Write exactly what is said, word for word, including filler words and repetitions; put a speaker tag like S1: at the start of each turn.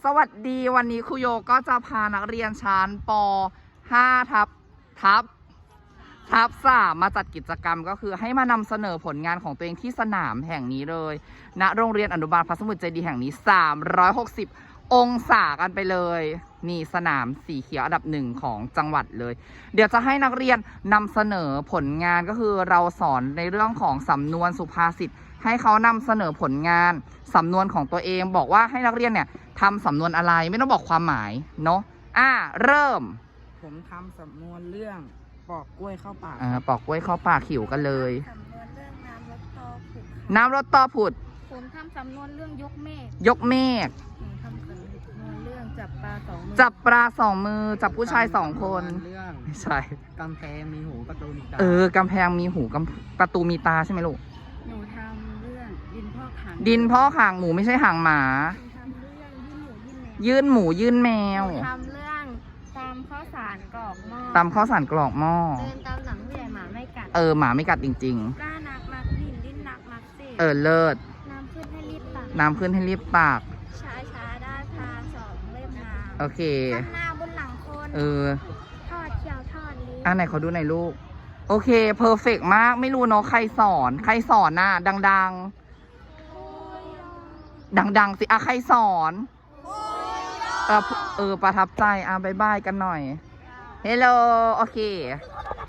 S1: สวัสดีวันนี้ครูโยก็จะพานักเรียนชั้นป ห้า ทับทับทับสามมาจัดกิจกรรมก็คือให้มานำเสนอผลงานของตัวเองที่สนามแห่งนี้เลยณโรงเรียนอนุบาลพระสมุทรเจดีย์แห่งนี้สามร้อยหกสิบองศากันไปเลยนี่สนามสีเขียวอันดับหนึ่งของจังหวัดเลยเดี๋ยวจะให้นักเรียนนำเสนอผลงานก็คือเราสอนในเรื่องของสำนวนสุภาษิตให้เขานำเสนอผลงานสำนวนของตัวเองบอกว่าให้นักเรียนเนี่ยทำสำนวนอะไรไม่ต้องบอกความหมายเนาะอ่าเริ่ม
S2: ผมทำสำนวนเรื่องปอกกล้วยเข้าปาก
S1: อ่าปอกกล้วยเข้าปากหิวกันเลย
S3: สำนวนเรื่องน้ำรถตอผุด
S1: น้ำรถต่อผุด
S3: ผมทำสำนวนเรื่องยกเมฆ
S1: ยกเมฆ
S3: ผมทำสำนวนเรื่องจับปลาสองมือ
S1: จับปลาสองมือจับผู้ชายสองคน
S2: เรื่อง
S1: ไม่ใช่
S2: กำแพงมีหูประตูมีตา
S1: เออกำแพงมีหูกำประตูมีตาใช่ไหมลูก
S3: หนูทำเรื่องดินพ่อขัง
S1: ดินพ่อหางหมูไม่ใช่หางหมา
S3: หนูทำเรื่องยื่นหมูยื่นแมว
S1: ยื่นหมูยื่นแมว
S3: หนูทำเรื่องตามข้าวสารกรอกหม้อ
S1: ตำข้าวสารกรอกหม้อ
S3: เดินตามหลังผู้ใหญ่หมาไม่กัด
S1: เออหมาไม่กัดจริง
S3: กล้านักมักดินดิ้นนักมักเสก
S1: ๆ เออเลิศ
S3: น้ำขึ้นให้รีบตัก
S1: น้ำขึ้นให้รีบตาก
S3: ช้าช้าๆได้พาสองเล่มน้ำ
S1: โอเค
S3: ข้างหน้าบนหลังคน
S1: เออ
S3: ทอดเขียวทอดลิ้น
S1: อ่ะไหนเขาดูหน่อยลูก โอเคเพอร์เฟกมากไม่รู้เนาะใครสอนใครสอนน่ะดังๆ ดังๆสิอ่ะใครสอนเออเออประทับใจอ่ะบายบายกันหน่อยเฮลโลโอเค